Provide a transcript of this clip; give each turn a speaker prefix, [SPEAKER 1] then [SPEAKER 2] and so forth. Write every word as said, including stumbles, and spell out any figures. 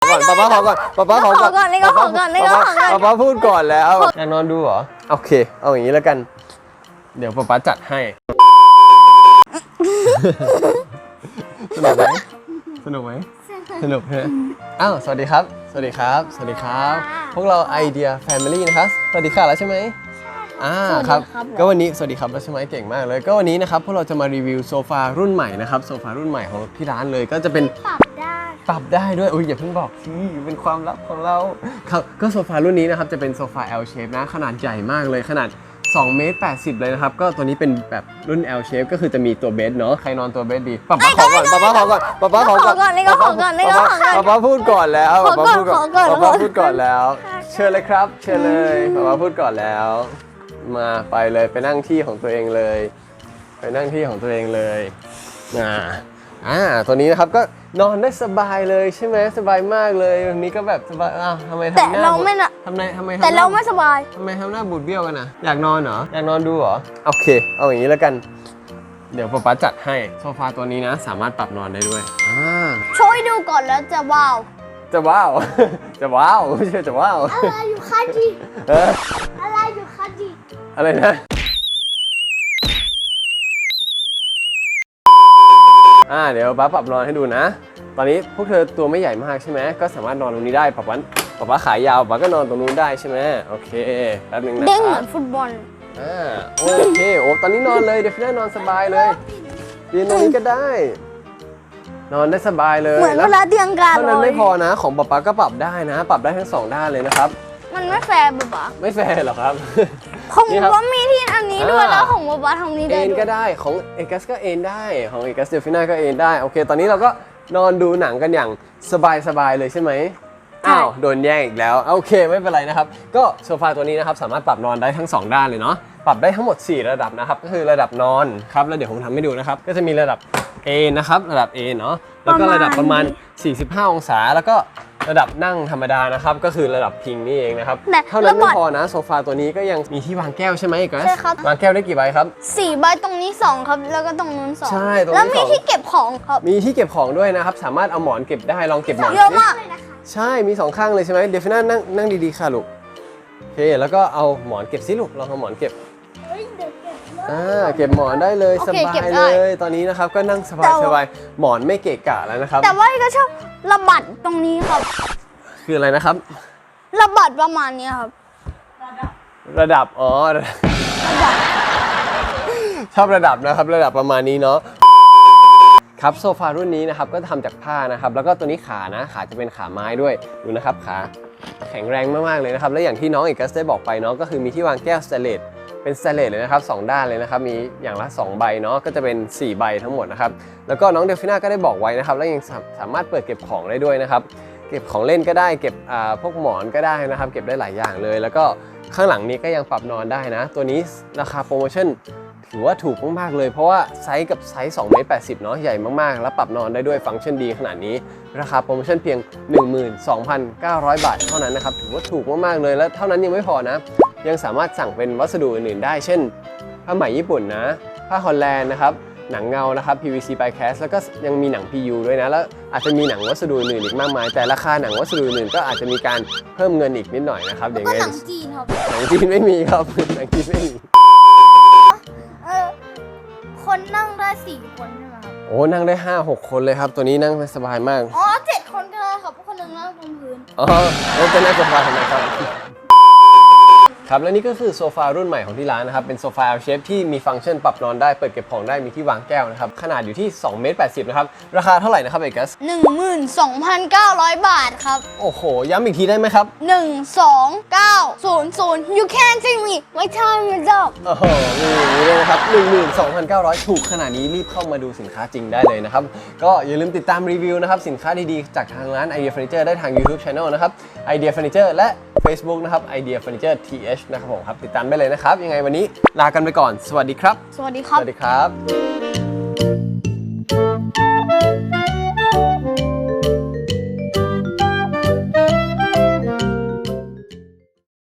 [SPEAKER 1] ก่อนป๊าป๊าขอก่อนป๊าป๊าขอก่อน
[SPEAKER 2] นี่ก็ขอก่อนนี่ก็ขอก่อน
[SPEAKER 1] ป๊าป๊าพูดก่อนแล้วอยากนอนดูเหรอโอเคเอาอย่างนี้แล้วกันเดี๋ยวป๊าป๊าจัดให้สนุกไหมสนุกไหมสนุกฮะอ้าวสวัสดีครับสวัสดีครับสวัสดีครับพวกเราไอเดียแฟมิลี่นะครับสวัสดีค่ะแล้วใช่ไหมอ่าครับก็วันนี้สวัสดีครับแล้วใช่ไหมเก่งมากเลยก็วันนี้นะครับพวกเราจะมารีวิวโซฟารุ่นใหม่นะครับโซฟารุ่นใหม่ของที่ร้านเลยก็จะเป็น
[SPEAKER 2] ปรับได้
[SPEAKER 1] ปรับได้ด้วยอุ้ยอย่าเพิ่งบอกสิเป็นความลับของเราครับก็โซฟารุ่นนี้นะครับจะเป็นโซฟา L shape นะขนาดใหญ่มากเลยขนาดสองเมตรแปดสิบเลยนะครับก็ตัวนี้เป็นแบบรุ่น L shape ก็คือจะมีตัวเบสเนาะใครนอนตัวเบสดีป๊าป๊าขอก่อนป๊าป๊าขอก่อนป๊าป๊าขอก่อน
[SPEAKER 2] นี่ก็ขอก่อนนี่ก็ขอก่อน
[SPEAKER 1] ป๊าป๊าพูดก่อนแล้วป๊าป๊าพูดก่อน
[SPEAKER 2] ป๊าป๊า
[SPEAKER 1] พูดก่อนแล้วเชิญเลยครับเชิญเลยป๊าป๊าพูดก่อนแล้วมาไปเลยไปนั่งที่ของตัวเองเลยไปนั่งที่ของตัวเองเลยอ่าอ่าตัวนี้นะครับก็นอนได้สบายเลยใช่ไหมสบายมากเลยวันนี้ก็แบบสบายอ้าวทำไมทำหน้าแต่เราไม่นะทำไมทำไม
[SPEAKER 2] แต่เราไม่สบาย
[SPEAKER 1] ทำไมทำหน้าบูดเบี้ยวกันนะอยากนอนเหรออยากนอนดูเหรอโอเคเอาอย่างนี้แล้วกันเดี๋ยวป๊าป๊าจัดให้โซฟาตัวนี้นะสามารถปรับนอนได้ด้วยอ่า
[SPEAKER 2] ช่วยดูก่อนแล้วจะว้าว
[SPEAKER 1] จะว้าวจะว้าวไม่ใช่จะว้าว
[SPEAKER 2] อะไรอยู่คะจีอะไรอยู่คะจี
[SPEAKER 1] อะไรนะอ่าเดี๋ยวป๊าปรับนอนให้ดูนะตอนนี้พวกเธอตัวไม่ใหญ่มากใช่ไหมก็สามารถนอนตรงนี้ได้ป๊าป๊าป๊าป๊าขายาวป๊าก็นอนตรงนู้นได้ใช่ไหมโอเคแป๊บนึงนะ
[SPEAKER 2] เด้งเหมือนฟุตบอล
[SPEAKER 1] อ่าโอเคโอ้ตอนนี้นอนเลยเดี๋ยวพี่ได้นอนสบายเลยยืนตรงนี้ก็ได้นอนได้สบายเลย
[SPEAKER 2] เหมือนเวลาเตียงกัน
[SPEAKER 1] เท่านั้นไม่พอนะของป๊าป๊าก็ปรับได้นะปรับได้ทั้งสองด้านเลยนะครับ
[SPEAKER 2] มันไม่แฟร์ป๊า
[SPEAKER 1] ไม่แฟร์หรอครับ
[SPEAKER 2] ของป๊ามีที่อันนี้ด้วยแล้วของป๊าทำนี้ได้
[SPEAKER 1] เอ็นก็ได้ของเอกัสก็เอ็นได้ของเอกัสเดลฟิน่าก็เอ็นได้โอเคตอนนี้เราก็นอนดูหนังกันอย่างสบายๆเลยใช่ไหมอ้าวโดนแย่งอีกแล้วโอเคไม่เป็นไรนะครับก็โซฟาตัวนี้นะครับสามารถปรับนอนได้ทั้งสองด้านเลยเนาะปรับได้ทั้งหมดสี่ระดับนะครับก็คือระดับนอนครับแล้วเดี๋ยวผมทำให้ดูนะครับก็จะมีระดับ A นะครับระดับ A เนาะแล้วก็ระดับประมาณสี่สิบห้าองศาแล้วก็ระดับนั่งธรรมดานะครับก็คือระดับพิงนี่เองนะครับเท่านั้นไม่พอนะโซฟาตัวนี้ก็ยังมีที่วางแก้วใช่ไหมกัสวางแก้วได้กี่ใบครับ
[SPEAKER 2] สี่ใบตรงนี้สองครับแล้วก็ตรงนู้นสอง
[SPEAKER 1] ใช่
[SPEAKER 2] แล้วมีที่เก็บของครับ
[SPEAKER 1] มีที่เก็บของด้วยนะครับสามารถเอาหมอนเก็บได้ลองเก็บหมอน
[SPEAKER 2] เยอะมากเลยนะคะ
[SPEAKER 1] ใช่มีสองข้างเลยใช่ไหมเดฟฟิน่านั่งนั่งดีๆค่ะลูกโอเคแล้วก็เอาหมอนเก็บสิลูกลองเอาหมอนเก็บอ่าเก็บหมอนได้เลยสบายเลยตอนนี้นะครับก็นั่งสบายสบายหมอนไม่เกะกะแล้วนะครับ
[SPEAKER 2] แต่ว่าก็ชอบระบัดตรงนี้ครับ
[SPEAKER 1] คืออะไรนะครับ
[SPEAKER 2] ระบัดประมาณนี้ครับ
[SPEAKER 1] ระดับอ๋อชอบระดับนะครับระดับประมาณนี้เนาะครับโซฟารุ่นนี้นะครับก็ทำจากผ้านะครับแล้วก็ตัวนี้ขานะขาจะเป็นขาไม้ด้วยดูนะครับขาแข็งแรงมากๆเลยนะครับและอย่างที่น้องเอกัสได้บอกไปเนาะก็คือมีที่วางแก้วสเตนเลสเป็นสเตนเลสเลยนะครับสองด้านเลยนะครับมีอย่างละสองใบเนาะก็จะเป็นสี่ใบทั้งหมดนะครับแล้วก็น้องเดลฟิน่าก็ได้บอกไว้นะครับแล้วยังสามารถเปิดเก็บของได้ด้วยนะครับเก็บของเล่นก็ได้เก็บพวกหมอนก็ได้นะครับเก็บได้หลายอย่างเลยแล้วก็ข้างหลังนี้ก็ยังปรับนอนได้นะตัวนี้ราคาโปรโมชั่นถือว่าถูกมากๆเลยเพราะว่าไซส์กับไซส์สองเมตรแปดสิบเนาะใหญ่มากๆแล้วปรับนอนได้ด้วยฟังก์ชันดีขนาดนี้ราคาโปรโมชั่นเพียง หนึ่งหมื่นสองพันเก้าร้อย บาทเท่านั้นนะครับถือว่าถูกมากๆเลยและเท่านั้นยังไม่พอนะยังสามารถสั่งเป็นวัสดุอื่นๆได้เช่นผ้าไหมญี่ปุ่นนะผ้าฮอลแลนด์นะครับหนังเงานะครับ พี วี ซี by cast แล้วก็ยังมีหนัง พี ยู ด้วยนะแล้วอาจจะมีหนังวัสดุอื่นอีกมากมายแต่ราคาหนังวัสดุอื่นก็อาจจะมีการเพิ่มเงินอีกนิดหน่อยนะครับอย่างเงี้ย
[SPEAKER 2] หนังจีนครับ
[SPEAKER 1] หนังจีนไม่มีครับหนังจีนไม่มี
[SPEAKER 2] เออคนนั่งได้สี่คนใช่ไหมครับ
[SPEAKER 1] โอ้นั่งได้ห้าหกคนเลยครับตัวนี้นั่งสบายมาก
[SPEAKER 2] อ๋อเจ็ดคนก็ได้ครับคนหนึ่งนั่งบนพื้น
[SPEAKER 1] อ๋อแล้วจะนั่งสบายทำไมครับครับและนี่ก็คือโซฟารุ่นใหม่ของที่ร้านนะครับเป็นโซฟา L shape ที่มีฟังก์ชันปรับนอนได้เปิดเก็บของได้มีที่วางแก้วนะครับขนาดอยู่ที่สองเมตรแปดสิบนะครับราคาเท่าไหร่นะครับเอกัส
[SPEAKER 2] หนึ่งหมื่นสองพันเก้าร้อย บาทครับ
[SPEAKER 1] โอ้โหย้ำอีกทีได้ไหมครับ
[SPEAKER 2] หนึ่ง สอง เก้า ศูนย์ ศูนย์ you can't see me my time is up
[SPEAKER 1] โอ้โหมีอย่างนี้เลยนะครับ หนึ่งหมื่นสองพันเก้าร้อย ถูกขนาดนี้รีบเข้ามาดูสินค้าจริงได้เลยนะครับก็อย่าลืมติดตามรีวิวนะครับสินค้าดีๆจากทางร้าน Idea Furniture ได้ทาง YouTube Channel นะครับ Idea Furniture และ Facebook นะครับ Idea Furniture ที เอช นะครับผมครับติดตามได้เลยนะครับยังไงวันนี้ลากันไปก่อนสวัสดีครับ
[SPEAKER 2] สวัสดีครับ
[SPEAKER 1] สวัสดีครับ